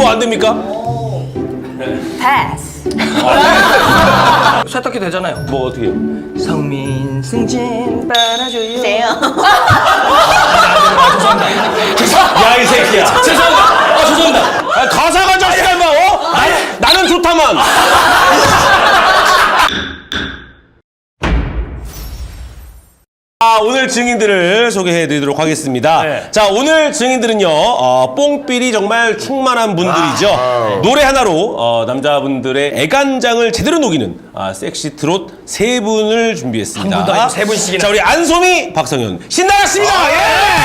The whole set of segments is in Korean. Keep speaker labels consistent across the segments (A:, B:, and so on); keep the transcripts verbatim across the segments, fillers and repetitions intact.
A: 뭐 안 됩니까?
B: 패스.
C: 세탁기 되잖아요.
A: 뭐 어떻게?
C: 성민 승진 빨아줘요.
B: 세요.
A: 야 이 새끼야. 죄송합니다. 아 죄송합니다. 아, 가사가 자식아 임마. 어? 나, 나는 좋다만. 아, 오늘 증인들을 소개해드리도록 하겠습니다.
C: 네.
A: 자, 오늘 증인들은요, 어, 뽕삘이 정말 충만한 분들이죠.
C: 아,
A: 노래 하나로 어, 남자분들의 애간장을 제대로 녹이는 아, 섹시 트롯 세 분을 준비했습니다.
C: 한 분도 아니고 세 분씩이나.
A: 자, 우리 안소미, 박성현 신나갔습니다.
C: 아,
A: 예!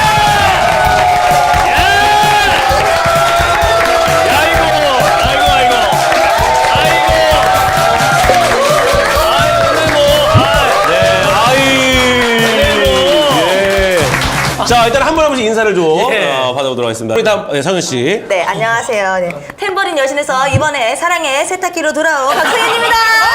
C: 아이고, 아이고, 아이고, 아이고,
A: 자, 일단 한 분 한 분씩 인사를 좀
C: 예.
A: 어, 받아보도록 하겠습니다. 우리 다음 네, 성현 씨.
B: 네, 안녕하세요. 네. 탬버린 여신에서 이번에 사랑의 세탁기로 돌아온 박소연입니다.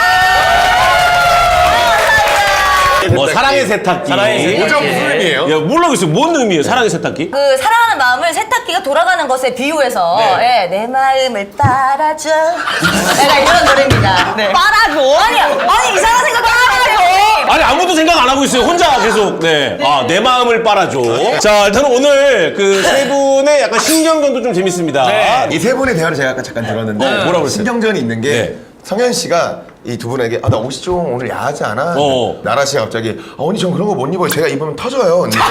A: 뭐 사랑의 세탁기.
C: 사랑의 세탁기.
D: 모자 무슨 의미예요?
A: 야, 모르겠어요. 뭔 의미예요? 사랑의 세탁기?
B: 그 사랑하는 마음을 세탁기가 돌아가는 것에 비유해서 예, 내 마음을 빨아줘. 약간 이런 노래입니다. 네. 빨아줘? 아니, 아니 이상한 생각 빨아줘.
A: 아니 아무도 생각 안 하고 있어요. 혼자 계속. 네. 아, 내 마음을 빨아줘. 자, 일단 오늘 그 세 분의 약간 신경전도 좀 재밌습니다.
C: 네.
D: 이 세 분의 대화를 제가 아까 잠깐 들었는데
A: 어, 뭐라고 그랬어요?
D: 신경전이 있는 게
A: 네.
D: 성현 씨가 이 두 분에게 아 나 옷이 좀 오늘 야하지 않아?
A: 어.
D: 나라 씨가 갑자기 아 언니 전 그런 거 못 입어요. 제가 입으면 터져요. 언니.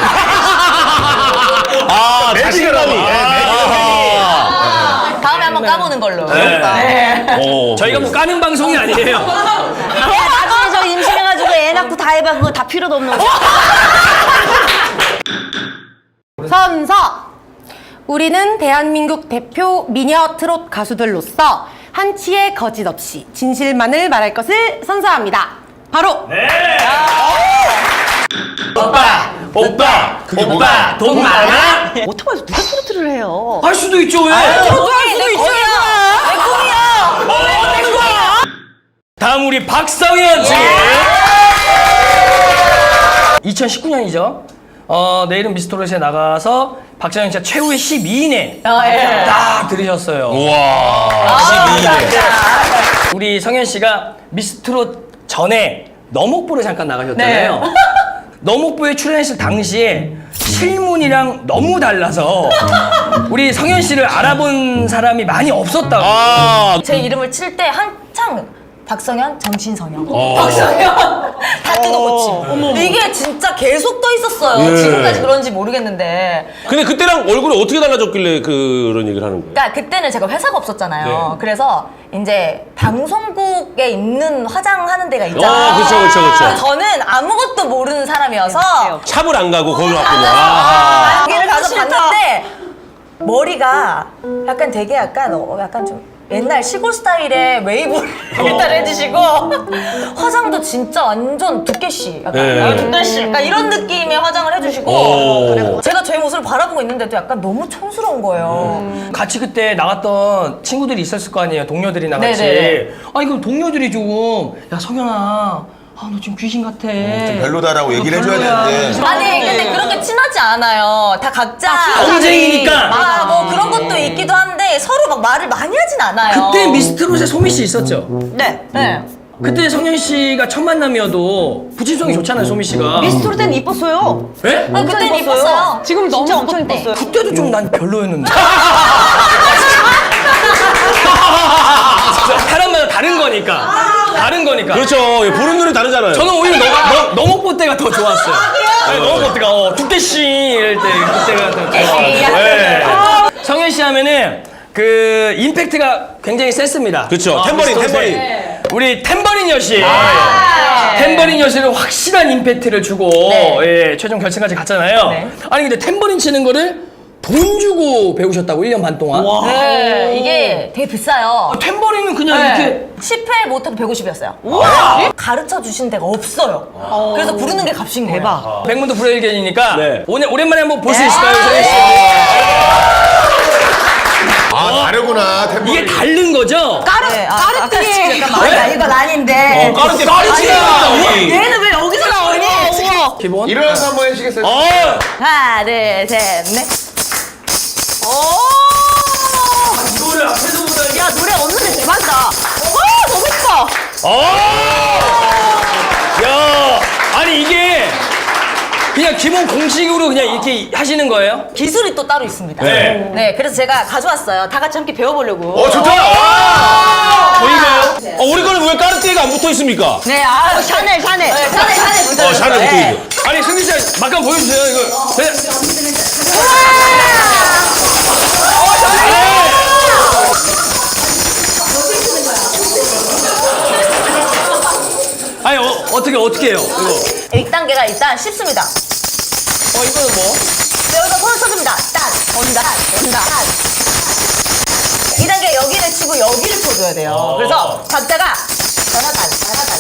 A: 아, 자신감이.
D: 네,
A: 아.
B: 다음에 한번 까보는 걸로.
C: 네.
A: 어,
C: 저희가 뭐 까는 방송이 아니에요.
B: 야, 나중에 저 임신해가지고 애 낳고 다 해봐. 그거 다 필요도 없는 거.
E: 선서! 우리는 대한민국 대표 미녀 트롯 가수들로서 한치의 거짓 없이 진실만을 말할 것을 선서합니다. 바로
C: 오빠, 오빠,
D: 그게
C: 오빠,
D: 뭐가?
C: 돈 많아?
B: 오토바이에서 누가 트로트를 해요?
C: 할 수도 있죠, 왜?
B: 트로트 할 수도 있죠. 내 꿈이야.
C: 다음 우리 박성현 씨. 이천십구 년이죠. 어, 내일은 미스터롯에 나가서 박성현 씨가 최후의 십이 인에 딱 들으셨어요.
A: 우와. 십이 일.
C: 우리 성현 씨가 미스트롯 전에 너목보를 잠깐 나가셨잖아요. 너목보에 출연했을 당시에 실물이랑 너무 달라서 우리 성현 씨를 알아본 사람이 많이 없었다고.
A: 아,
B: 제 이름을 칠 때 한창 박성현, 정신성현,
A: 어.
B: 박성현 다 뜯어고침. 이게 진짜 계속 떠 있었어요.
A: 예.
B: 지금까지 그런지 모르겠는데.
A: 근데 그때랑 얼굴이 어떻게 달라졌길래 그런 얘기를 하는 거예요?
B: 그러니까 그때는 제가 회사가 없었잖아요.
A: 네.
B: 그래서 이제 방송국에 있는 화장하는 데가
A: 아,
B: 있잖아요.
A: 그쵸, 그쵸, 그쵸.
B: 저는 아무것도 모르는 사람이어서
A: 샵을 안 가고 거기
B: 아,
A: 왔군요.
B: 아, 거기를 가서 봤는데 머리가 약간 되게 약간 어, 약간 좀 옛날 시골 스타일의 웨이브를 일단 해주시고 화장도 진짜 완전 두께씨 약간
A: 네.
B: 아, 두께씨 약간 이런 느낌의 화장을 해주시고
A: 오.
B: 제가 저의 모습을 바라보고 있는데도 약간 너무 촌스러운 거예요.
C: 같이 그때 나갔던 친구들이 있었을 거 아니에요. 동료들이 나같이.
B: 네네네.
C: 아니 그럼 동료들이 조금 야 성현아, 아 너 지금 귀신 같아.
D: 좀 별로다라고 얘기를 해줘야
C: 별로야.
D: 되는데.
B: 아니 근데 그렇게 친하지 않아요. 다 각자
C: 경쟁이니까.
B: 아, 뭐 그런 것도 있기도 한데 서로 막 말을 많이 하진 않아요.
C: 그때 미스트롯에 소미 씨 있었죠.
B: 네. 네.
C: 그때 성현 씨가 첫 만남이어도 부친성이 좋잖아요, 소미 씨가.
B: 미스트롯 때는 이뻤어요.
C: 예?
B: 아, 그때는 이뻤어요.
E: 지금 너무
B: 진짜 엄청 이뻤어요.
C: 그때도 좀 난 별로였는데. 사람마다 다른 거니까. 다른 거니까.
A: 그렇죠. 예, 보는 눈이 다르잖아요.
C: 저는 오히려 너, 너, 너목보 때가 더 좋았어요. 네, 너목보 때가 어, 두께씨 이럴 때 그때가 더 좋았어요. 네. 성현 씨 하면은 그 임팩트가 굉장히 셌습니다.
A: 그렇죠.
C: 아,
A: 탬버린,
C: 미스터롯에.
A: 탬버린.
C: 우리 탬버린 여신. 탬버린 여신은 확실한 임팩트를 주고
B: 네.
C: 예, 최종 결승까지 갔잖아요.
B: 네.
C: 아니 근데 탬버린 치는 거를 돈 주고 배우셨다고 일 년 반 동안.
B: 네, 이게 되게 비싸요.
C: 아, 탬버린은 그냥 이렇게
B: 십 회 못해도 백오십이었어요. 가르쳐 주신 데가 없어요. 그래서 부르는 게 값인 거예요. 대박.
C: 백문도 불여일견이니까
A: 네.
C: 오늘 오랜만에 한번 볼 수 있을까요, 성현 씨?
D: 아 다르구나. 템포.
C: 이게 다른 거죠?
B: 네, 아, 까르띠에. 잠깐만.
C: 네?
B: 아니, 이건 아닌데.
A: 어, 까르띠에 까르띠에가
B: 얘는 왜 여기서 나오니?
C: 기본.
D: 일어나서 한번 해주시겠어요?
A: 어,
B: 하나, 둘, 셋, 넷. 오!
C: 이거를 앞에서 기본 공식으로 그냥 이렇게 하시는 거예요?
B: 기술이 또 따로 있습니다.
A: 네.
B: 네, 그래서 제가 가져왔어요. 다 같이 함께 배워보려고.
D: 어 좋다.
C: 보이나요?
A: 어, 우리 거는 왜 까르띠에가 안 붙어 있습니까?
B: 네, 아, 샤넬, 샤넬. 네, 샤넬, 샤넬 붙어.
A: 어, 샤넬 붙어 있고.
C: 아니 승기 씨 막간 보여주세요 이거. 네. 아니 어, 어떻게 어떻게 해요? 이거.
B: 일 단계가 일단 쉽습니다.
C: 어 이거는 뭐?
B: 여기서 손을 쳐줍니다. 딱, 온다, 온다. 이 단계 여기를 치고 여기를 쳐줘야 돼요. 그래서 박자가 따라단, 따라단.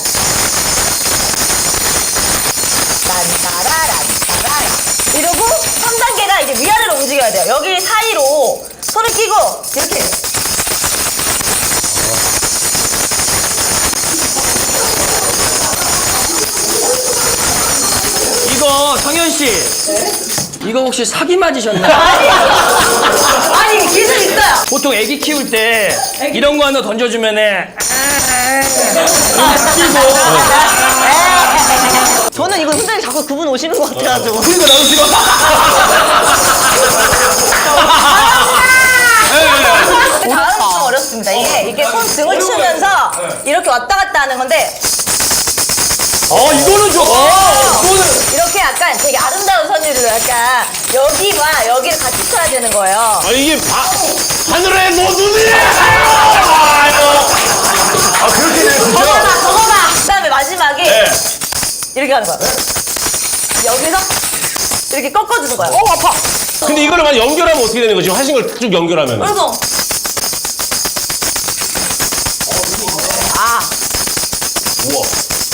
B: 딴따라란, 따라란. 이러고 삼 단계가 이제 위아래로 움직여야 돼요. 여기 사이로 손을 끼고 이렇게.
C: 이거 성현 씨. 이거 혹시 사기 맞으셨나요?
B: 아니, 아니 기술 있어요.
C: 보통 애기 키울 때 이런 거 하나 던져주면은
B: 저는 이거 선생님 자꾸 그분 오시는 것 같아가지고.
C: 그러니까 나도 지금
B: 다음은 좀 어렵습니다. 이게 이게 손 등을 치면서 이렇게 왔다 갔다 하는 건데
C: 어 이거는 좀 어, 이거는
B: 이렇게 약간 되게 아름다운 선율로 약간 여기와 여기를 같이 쳐야 되는 거예요.
A: 아, 이게 바, 하늘에 노눈이!
D: 아 그렇게 돼 진짜.
B: 저거 봐, 저거 봐. 그다음에 마지막에
A: 네.
B: 이렇게 하는 거야. 여기서 이렇게 꺾어주는 거야.
A: 어, 아파! 근데 이거를 만 연결하면 어떻게 되는 거지? 하신 걸 쭉 연결하면.
B: 그래서 아
A: 우와.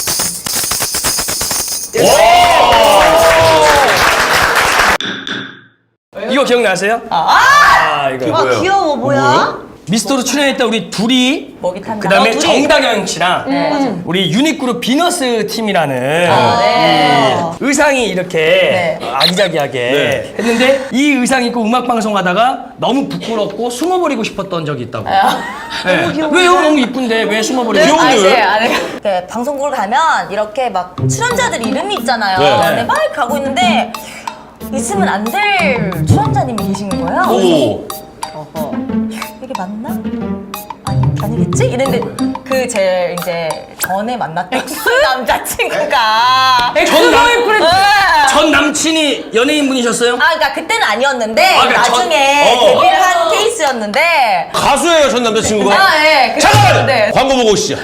C: 이거 기억나세요? 아, 이거
D: 뭐예요?
B: 귀여워 뭐야?
C: 미스터로 출연했던 우리 둘이
B: 먹이 탄다.
C: 그다음에
B: 어, 둘이.
C: 정다경 씨랑
B: 네, 맞아.
C: 우리 유닛그룹 비너스 팀이라는
B: 아, 네.
C: 의상이 이렇게
B: 네.
C: 아기자기하게
A: 네.
C: 했는데 이 의상 입고 음악 방송 하다가 너무 부끄럽고 숨어버리고 싶었던 적이 있다고. 네. 왜요? 너무 이쁜데 왜 숨어버리고
A: 귀여운데
B: 아,
A: 왜?
B: 네, 아, 네. 이렇게 방송국을 가면 이렇게 막 출연자들 이름이 있잖아요.
A: 네.
B: 근데 막 가고 있는데 있으면 안 될 출연자님이 계시는 거예요.
A: 오.
B: 어허. 이게 맞나? 아니, 아니겠지? 이랬는데 그 제 이제 전에 만났던 남자친구가
C: 전, 남,
B: 네.
C: 전 남친이 연예인 분이셨어요?
B: 아, 그러니까 그때는 아니었는데
C: 아, 그러니까
B: 나중에
A: 전- 어.
B: 데뷔를 한 케이스였는데
A: 가수예요, 전 남자친구가?
B: 아, 예. 그-
A: 잠깐만!
B: 네.
A: 광고 보고 오시죠.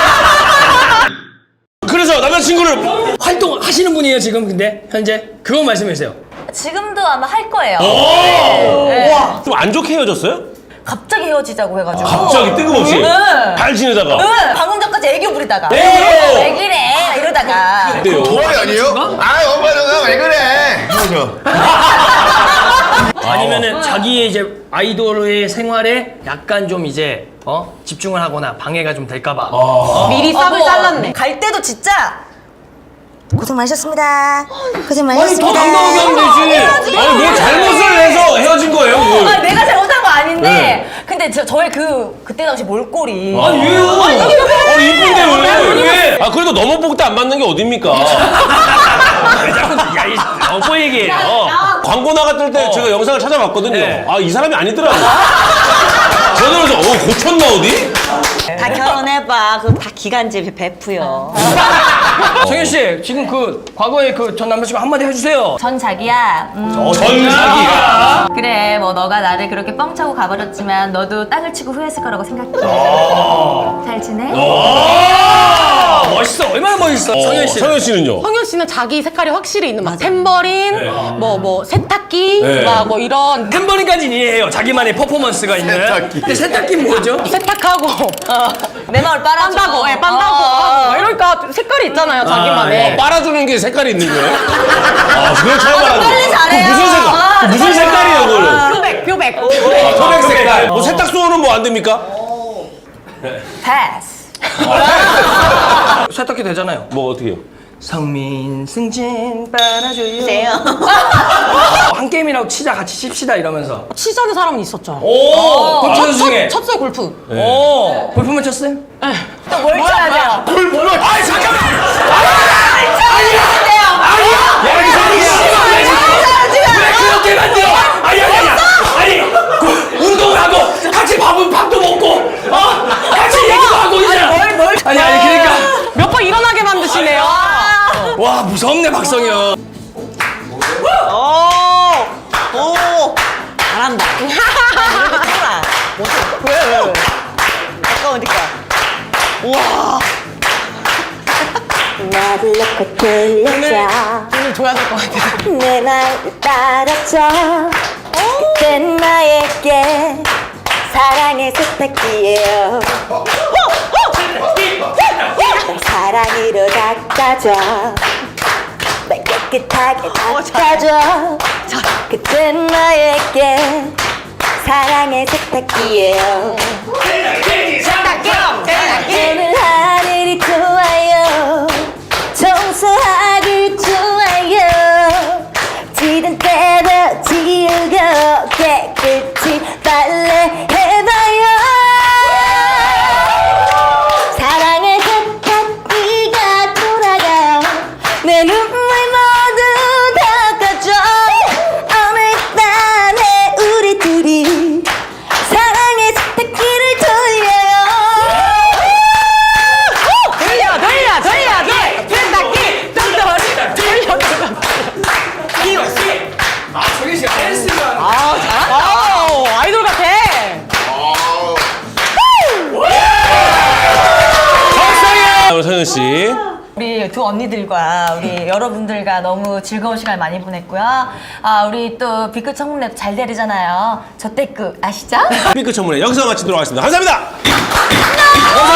A: 그래서 남자친구를
C: 활동하시는 분이에요 지금 근데 현재? 그거 말씀해 주세요.
B: 지금도 아마 할 거예요. 네. 네.
A: 좀 안 좋게 헤어졌어요?
B: 갑자기 헤어지자고 해가지고.
A: 갑자기 뜬금없이
B: 네.
A: 잘 지내다가
B: 응, 방금 전까지 애교 부리다가.
A: 애교!
B: 왜 그래? 이러다가.
A: 어때요?
D: 도발이 아니에요? 아 엄마 누나 왜 그래? 헤어져.
C: 아니면은 자기의 이제 아이돌의 생활에 약간 좀 이제 어 집중을 하거나 방해가 좀 될까봐.
E: 미리 싹을
B: 어,
E: 잘랐네.
B: 갈 때도 진짜 고생 많으셨습니다. 고생
A: 아니 더
B: 많으셨습니다.
A: 당당하게 하면 되지. 아니 뭐 잘못을 해서 헤어진 거예요. 뭘.
B: 아, 내가 잘못한 거 아닌데.
A: 네.
B: 근데 저, 저의 그 그때 당시 몰골이.
A: 아니 왜요? 아니 이쁜데 왜? 왜? 아 그래도 너무 복도 안 맞는 게 어딥니까?
C: 야이 어버 얘기예요.
A: 광고 나갔을 때 제가 영상을 찾아봤거든요.
C: 네.
A: 아 이 사람이 아니더라고. 저는 그래서 어 고쳤나 어디?
F: 다 결혼해봐. 그거 다 기간제 베프요.
C: 성현 씨 지금 그 과거에 그 전 남자친구 한마디 해주세요.
B: 전 자기야. 음,
A: 어, 전사기야.
B: 그래, 뭐 너가 나를 그렇게 뻥차고 가버렸지만 너도 땅을 치고 후회했을 거라고 생각해. 잘 지내?
C: 아, 멋있어. 얼마나 멋있어. 성현 씨.
A: 성현 씨는요?
E: 성현 씨는 자기 색깔이 확실히 있는 막 탬버린, 뭐 뭐 세탁기,
A: 네.
E: 막 뭐 이런
C: 템버린까지는 이해해요. 자기만의 퍼포먼스가 있는.
D: 세탁기.
C: 근데 세탁기는 뭐죠?
E: 세탁하고
B: 내 마음을 빨아줘.
E: 빤다고, 예, 빤다고
B: 어.
E: 하고 이러니까 색깔이 있잖아요, 자기만의.
A: 어, 빨아주는 게 색깔이 있는 거예요? 아 그걸 처음
B: 아,
A: 알았네.
B: 빨리 잘해요.
A: 그 무슨 색깔?
B: 아,
A: 그 무슨
B: 빨리
A: 색깔이에요
B: 잘해요.
A: 그거는?
E: 표백, 표백.
A: 아, 토백 색깔. 뭐 세탁소는 뭐 안 됩니까?
B: 패스.
C: 세탁기 되잖아요.
A: 뭐 어떻게요?
C: 성민 승진 빨아줘요.
F: 돼요.
C: 한 게임이라고 치자 같이 칩시다 이러면서.
E: 치자는 사람은 있었죠.
C: 오. 골프 선수 중에.
E: 쳤어요, 골프.
C: 오. 골프만 쳤어요?
B: 또 뭘 쳐야 돼요?
C: 골프를. 아이 잠깐만.
B: 뭘 쳐야 돼요?
C: 야, 이 어떻게 만들어? 아니 아니 아니 아니 그 운동을 하고 같이 밥은 밥도 먹고 어 같이 얘기도 하고 이제
B: 뭘, 뭘.
C: 아니 아니 그러니까
E: 몇 번 일어나게 만드시네요.
C: 와 무섭네 박성현.
F: 오, 오, 잘한다. 이렇게 해라. 왜, 왜, 왜? 아까우니까. 우와.
G: 나를 놓고 들려줘
E: 오늘 줘야 될 것 같아요.
G: 내 말 따라줘 그땐 나에게 사랑의 세탁기예요 날 사랑으로 닦아줘 날 깨끗하게 닦아줘 그땐 나에게 사랑의 세탁기예요 오늘 하늘이 좋아요 청소하기 좋아요 지든 때도 지우고 깨끗이 빨래해봐요 사랑의 세탁기가 돌아가요 내 눈물 모두 닦아줘 오늘 밤에 우리 둘이 사랑의 세탁기를 돌려요
E: 돌려, 돌려, 돌려, 돌려. 세탁기, 돌려, 돌려, 돌려.
C: 아 성현 씨가 댄스가
E: 아, 잘한다. 오, 아이돌 같아.
A: 자, 우리 성현 씨.
B: 우리 두 언니들과 우리 여러분들과 너무 즐거운 시간 많이 보냈고요. 아, 우리 또 B급 청문회 잘 되잖아요. 저 때 그 아시죠?
A: B급 청문회 여기서 마치도록 하겠습니다. 감사합니다. 감사합니다.